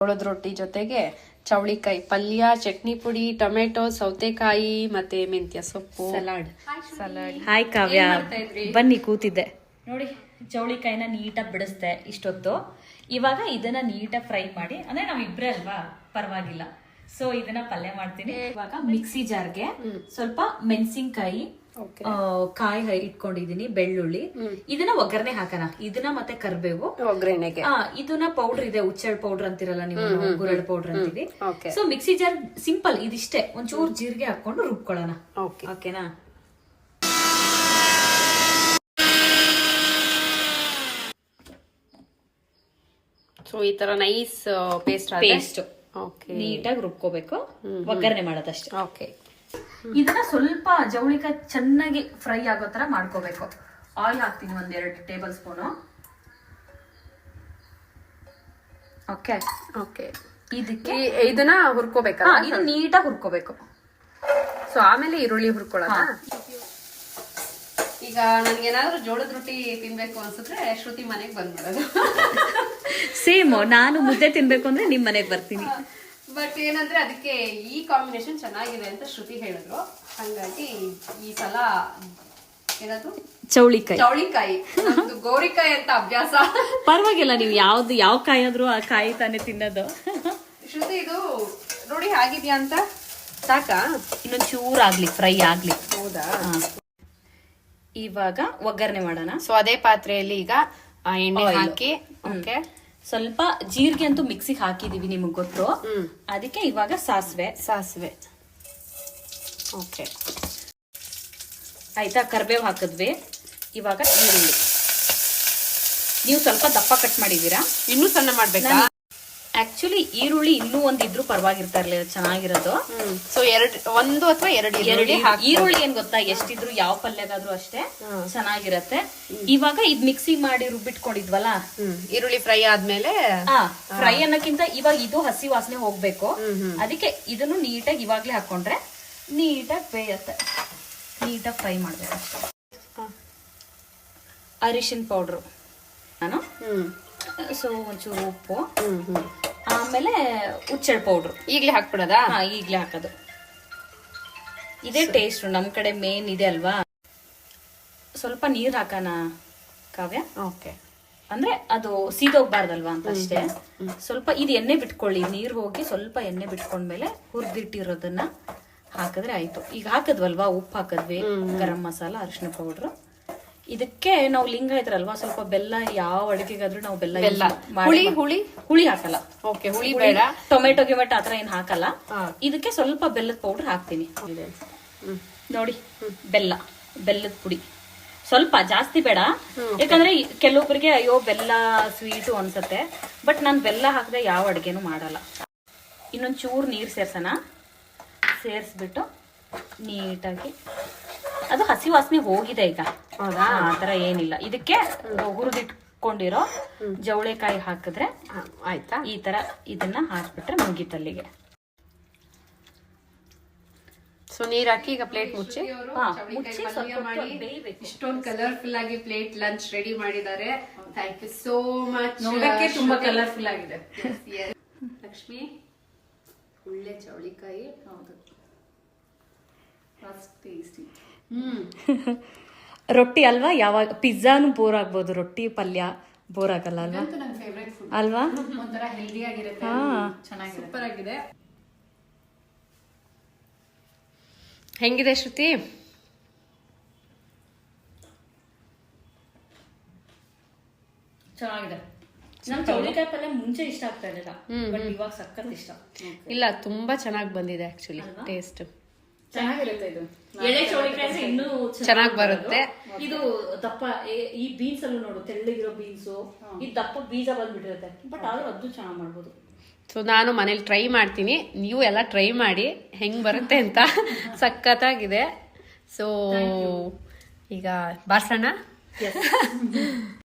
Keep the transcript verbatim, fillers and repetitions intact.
ಜೋಳದ ರೊಟ್ಟಿ ಜೊತೆಗೆ ಚೌಳಿಕಾಯಿ ಪಲ್ಯ, ಚಟ್ನಿ ಪುಡಿ, ಟೊಮೆಟೊ, ಸೌತೆಕಾಯಿ ಮತ್ತೆ ಮೆಂತ್ಯ ಸೊಪ್ಪು, ಸಲಾಡ್ ಸಲಾಡ್ ಹಾಯ್ ಕಾವ್ಯ, ಬನ್ನಿ ಕೂತಿದ್ದೆ ನೋಡಿ. ಚೌಳಿಕಾಯಿನ ನೀಟಾಗಿ ಬಿಡಿಸ್ದೆ ಇಷ್ಟೊತ್ತು. ಇವಾಗ ಇದನ್ನ ನೀಟಾಗಿ ಫ್ರೈ ಮಾಡಿ, ಅಂದ್ರೆ ನಾವ್ ಇಬ್ರೇ ಅಲ್ವಾ, ಪರವಾಗಿಲ್ಲ. ಸೊ ಇದನ್ನ ಪಲ್ಯ ಮಾಡ್ತೀನಿ. ಇವಾಗ ಮಿಕ್ಸಿ ಜಾರ್ಗೆ ಸ್ವಲ್ಪ ಮೆಣಸಿನ್ಕಾಯಿ, ಕಾಯಿ ಇಟ್ಕೊಂಡಿದೀನಿ, ಬೆಳ್ಳುಳ್ಳಿ, ಇದನ್ನ ಒಗ್ಗರಣೆ ಹಾಕೋಣ. ಇದನ್ನ ಮತ್ತೆ ಕರ್ಬೇವು ಒಗ್ಗರಣೆಗೆ. ಇದನ್ನ ಪೌಡರ್ ಇದೆ, ಉಚ್ಚಳ್ ಪೌಡರ್ ಅಂತಿರಲ್ಲ ನೀವು, ಗುರಳ್ ಪೌಡರ್ ಅಂತೀವಿ. ಸೊ ಮಿಕ್ಸಿ ಜಾರ್ ಸಿಂಪಲ್ ಇದಿಷ್ಟೇ, ಒಂಚೂರು ಜೀರಿಗೆ ಹಾಕೊಂಡು ರುಬ್ಕೊಳ್ಳೋಣ. ಓಕೆನಾ? ಸೊ ಈ ತರ ನೈಸ್ ಪೇಸ್ಟ್ ಪೇಸ್ಟ್ ನೀಟಾಗಿ ರುಬ್ಕೋಬೇಕು, ಒಗ್ಗರಣೆ ಮಾಡೋದಷ್ಟೇ. ಓಕೆ. ಇದನ್ನ ಸ್ವಲ್ಪ ಜವಳಿಕಾಯಿ ಚೆನ್ನಾಗಿ ಫ್ರೈ ಆಗೋ ತರ ಮಾಡ್ಕೋಬೇಕು. ಆಯಿಲ್ ಹಾಕ್ತೀನಿ ಒಂದ್ ಎರಡು ಟೇಬಲ್ ಸ್ಪೂನು. Okay okay. ಇದಕ್ಕೆ ಇದನ್ನ ಹುರ್ಕೋಬೇಕಾ? ಇದು ನೀಟಾಗಿ ಹುರ್ಕೋಬೇಕು. ಸೊ ಆಮೇಲೆ ಈರುಳ್ಳಿ ಹುರ್ಕೊಳ್ಳೋಣ. ಈಗ ನನ್ಗೇನಾದ್ರೂ ಜೋಳದ ರೊಟ್ಟಿ ತಿನ್ಬೇಕು ಅನ್ಸಿದ್ರೆ ಶ್ರುತಿ ಮನೆಗೆ ಬಂದ್ಬಿಡೋದು. ಸೇಮ್, ನಾನು ಮುದ್ದೆ ತಿನ್ಬೇಕು ಅಂದ್ರೆ ನಿಮ್ ಮನೆಗೆ ಬರ್ತೀನಿ. ಬಟ್ ಏನಂದ್ರೆ ಅದಕ್ಕೆ ಈ ಕಾಂಬಿನೇಷನ್ ಚೆನ್ನಾಗಿದೆ ಅಂತ ಶ್ರುತಿ ಹೇಳಿದ್ರು, ಹಂಗಾಗಿ ಈ ಸಲ ಏನಾದ್ರು ಚೌಳಿಕಾಯಿ ಚೌಳಿಕಾಯಿ ಗೋರಿಕಾಯಿ ಅಂತ ಅಭ್ಯಾಸ. ಪರವಾಗಿಲ್ಲ, ನೀವು ಯಾವ್ದು ಯಾವ ಕಾಯಿ ಆದ್ರೂ ಆ ಕಾಯಿ ತಾನೇ ತಿನ್ನೋದು. ಶ್ರುತಿ ಇದು ನೋಡಿ ಆಗಿದ್ಯಾ ಅಂತ ಸಾಕಾ? ಇನ್ನೊಂದ್ ಚೂರ್ ಆಗ್ಲಿ, ಫ್ರೈ ಆಗ್ಲಿ. ಹೌದಾ? ಇವಾಗ ಒಗ್ಗರಣೆ ಮಾಡೋಣ. ಸೊ ಅದೇ ಪಾತ್ರೆಯಲ್ಲಿ ಈಗ ಎಣ್ಣೆ ಹಾಕಿ, ಓಕೆ, ಸ್ವಲ್ಪ ಜೀರಿಗೆ ಅಂತೂ ಮಿಕ್ಸಿಗೆ ಹಾಕಿದೀವಿ, ನಿಮಗ್ ಗೊತ್ತು. ಅದಕ್ಕೆ ಇವಾಗ ಸಾಸಿವೆ ಸಾಸಿವೆ ಓಕೆ ಆಯ್ತಾ. ಕರ್ಬೇವು ಹಾಕಿದ್ವಿ. ಇವಾಗ ಈರುಳ್ಳಿ ನೀವು ಸ್ವಲ್ಪ ದಪ್ಪ ಕಟ್ ಮಾಡಿದೀರಾ, ಇನ್ನೂ ಸಣ್ಣ ಮಾಡ್ಬೇಕಾ? ಆಕ್ಚುಲಿ ಈರುಳ್ಳಿ ಇನ್ನೂ ಒಂದ್ ಇದ್ರು ಪರವಾಗಿರ್ತಾ ಇರ್ಲಿಲ್ಲ, ಚೆನ್ನಾಗಿರೋದು. ಸೊ ಎರಡ್ ಒಂದು ಅಥವಾ ಎರಡು ಎರಡು ಈರುಳ್ಳಿ ಏನ್ ಗೊತ್ತಾ, ಎಷ್ಟಿದ್ರು ಯಾವ ಪಲ್ಯಗಾದ್ರೂ ಅಷ್ಟೇ ಚೆನ್ನಾಗಿರತ್ತೆ. ಇವಾಗ ಇದ್ ಮಿಕ್ಸಿ ಮಾಡಿ ರುಬ್ಬಿಟ್ಕೊಂಡಿದ್ವಲ್ಲ, ಈರುಳ್ಳಿ ಫ್ರೈ ಆದ್ಮೇಲೆ ಫ್ರೈ ಅನ್ನಕ್ಕಿಂತ ಇವಾಗ ಇದು ಹಸಿ ವಾಸನೆ ಹೋಗ್ಬೇಕು. ಅದಕ್ಕೆ ಇದನ್ನು ನೀಟಾಗಿ ಇವಾಗ್ಲೇ ಹಾಕೊಂಡ್ರೆ ನೀಟಾಗಿ ಬೇಯತ್ತೆ. ನೀಟಾಗಿ ಫ್ರೈ ಮಾಡ್ಬೇಕು ಅಷ್ಟೇ. ಅರಿಶಿನ ಪೌಡ್ರು ನಾನು, ಸೊ ಒಂಚೂರು ಉಪ್ಪು, ಆಮೇಲೆ ಉಚ್ಚಳ್ ಪೌಡ್ರು ಈಗ್ಲೇ ಹಾಕ್ಬಿಡೋದಾ? ಹಾ, ಈಗ್ಲೇ ಹಾಕೋದು. ಇದೇ ಟೇಸ್ಟ್ ನಮ್ ಕಡೆ ಮೇನ್ ಇದೆ ಅಲ್ವಾ. ಸ್ವಲ್ಪ ನೀರ್ ಹಾಕೋಣ ಕಾವ್ಯ. ಓಕೆ. ಅಂದ್ರೆ ಅದು ಸೀದೋಗ್ಬಾರ್ದಲ್ವಾ ಅಂತ ಅಷ್ಟೇ. ಸ್ವಲ್ಪ ಇದು ಎಣ್ಣೆ ಬಿಟ್ಕೊಳ್ಳಿ, ನೀರ್ ಹೋಗಿ ಸ್ವಲ್ಪ ಎಣ್ಣೆ ಬಿಟ್ಕೊಂಡ್ಮೇಲೆ ಹುರಿದಿಟ್ಟಿರೋದನ್ನ ಹಾಕಿದ್ರೆ ಆಯ್ತು. ಈಗ ಹಾಕದ್ವಲ್ವಾ, ಉಪ್ಪು ಹಾಕದ್ವಿ, ಗರಂ ಮಸಾಲ, ಅರಿಶಿನ ಪೌಡ್ರು. ಇದಕ್ಕೆ ನಾವು ಲಿಂಗಾಯತ್ರಲ್ವಾ, ಸ್ವಲ್ಪ ಬೆಲ್ಲ, ಯಾವ ಅಡಿಗೆಗಾದ್ರೂ ನಾವು ಬೆಲ್ಲ ಬೆಲ್ಲ ಹುಳಿ ಹುಳಿ ಹುಳಿ ಹಾಕಲ್ಲ. ಓಕೆ, ಹುಳಿ ಬೇಡ. ಟೊಮೆಟೊ ಗಿಮೆಟೊ ಆತರ ಏನ್ ಹಾಕಲ್ಲ. ಇದಕ್ಕೆ ಸ್ವಲ್ಪ ಬೆಲ್ಲದ ಪೌಡರ್ ಹಾಕ್ತೀನಿ ನೋಡಿ. ಬೆಲ್ಲ, ಬೆಲ್ಲದ ಪುಡಿ ಸ್ವಲ್ಪ ಜಾಸ್ತಿ ಬೇಡ, ಯಾಕಂದ್ರೆ ಕೆಲವೊಬ್ಬರಿಗೆ ಅಯ್ಯೋ ಬೆಲ್ಲ ಸ್ವೀಟು ಅನ್ಸತ್ತೆ. ಬಟ್ ನಾನು ಬೆಲ್ಲ ಹಾಕದೆ ಯಾವ ಅಡ್ಗೆನೂ ಮಾಡಲ್ಲ. ಇನ್ನೊಂದ್ ಚೂರ್ ನೀರ್ ಸೇರ್ಸೋಣ. ಸೇರ್ಸ್ಬಿಟ್ಟು ನೀಟಾಗಿ, ಅದು ಹಸಿ ವಾಸನೆ ಹೋಗಿದೆ ಈಗ, ಆತರ ಏನಿಲ್ಲ. ಇದಕ್ಕೆ ಹುರಿದಿಟ್ಕೊಂಡಿರೋ ಜವಳೆಕಾಯಿ ಹಾಕಿದ್ರೆ ಆಯ್ತಾ. ಈ ತರ ಇದನ್ನ ಹಾಕ್ಬಿಟ್ರೆ ಮುಗೀತಲ್ಲಿಗೆ. ಸೊ ನೀರ್ ಹಾಕಿ ಈಗ ಪ್ಲೇಟ್ ಮುಚ್ಚಿ ಬೇಯ್ಬೇಕು. ಇಷ್ಟೊಂದು ಕಲರ್ಫುಲ್ ಆಗಿ ಪ್ಲೇಟ್ ಲಂಚ್ ರೆಡಿ ಮಾಡಿದ್ದಾರೆ. Thank you so much. ನೋಡಕ್ಕೆ ತುಂಬಾ ಕಲರ್ಫುಲ್ ಆಗಿದೆ. ಲಕ್ಷ್ಮಿ, ಒಳ್ಳೆ ಚೌಳಿಕಾಯಿ. ಹೌದು, ಹ್ಮ್ ರೊಟ್ಟಿ ಅಲ್ವಾ, ಯಾವಾಗ ಪಿಜ್ಜಾನು ಬೋರ್ ಆಗ್ಬೋದು, ರೊಟ್ಟಿ ಪಲ್ಯ ಬೋರ್ ಆಗಲ್ಲ ಅಲ್ವಾ? ಅಲ್ವಾ? ಒಂಥರ ಹೆಲ್ದಿ ಆಗಿರುತ್ತೆ, ಚೆನ್ನಾಗಿದೆ, ಸೂಪರ್ ಆಗಿದೆ. ಹೆಂಗಿದೆ ಶ್ರುತಿ? ಚೆನ್ನಾಗಿದೆ. ನಮ್ ಚೌಳಿಕಾಯಿ ಪಲ್ಯ ಮುಂಚೆ ಇಷ್ಟ ಆಗ್ತಾ ಇರಲಿಲ್ಲ, ಬಟ್ ಇವಾಗ ಸಖತ್ ಇಷ್ಟ. ಇಲ್ಲ, ತುಂಬಾ ಚೆನ್ನಾಗಿ ಬಂದಿದೆ ಆಕ್ಚುಲಿ, ಟೇಸ್ಟ್ ಚೆನ್ನಾಗಿರುತ್ತೆ. ಇದು ಎಳೆ ಚೌಳಿಕಾಯಿ ಇನ್ನೂ ಚೆನ್ನಾಗಿ ಬರುತ್ತೆ. ಇದು ದಪ್ಪ, ಈ ಬೀನ್ಸ್ ಅಲ್ಲೂ ನೋಡು, ತೆಳ್ಳಗಿರೋ ಬೀನ್ಸು, ಈ ದಪ್ಪ ಬೀಜ ಬಂದ್ಬಿಟ್ಟಿರುತ್ತೆ, ಬಟ್ ಆದ್ರೂ ಅದು ಚೆನ್ನಾಗಿ ಮಾಡ್ಬೋದು. ಸೊ ನಾನು ಮನೇಲಿ ಟ್ರೈ ಮಾಡ್ತೀನಿ, ನೀವು ಎಲ್ಲ ಟ್ರೈ ಮಾಡಿ ಹೆಂಗ್ ಬರುತ್ತೆ ಅಂತ. ಸಖತ್ತಾಗಿದೆ. ಸೊ ಈಗ ಬಾರ್ಸೋಣ.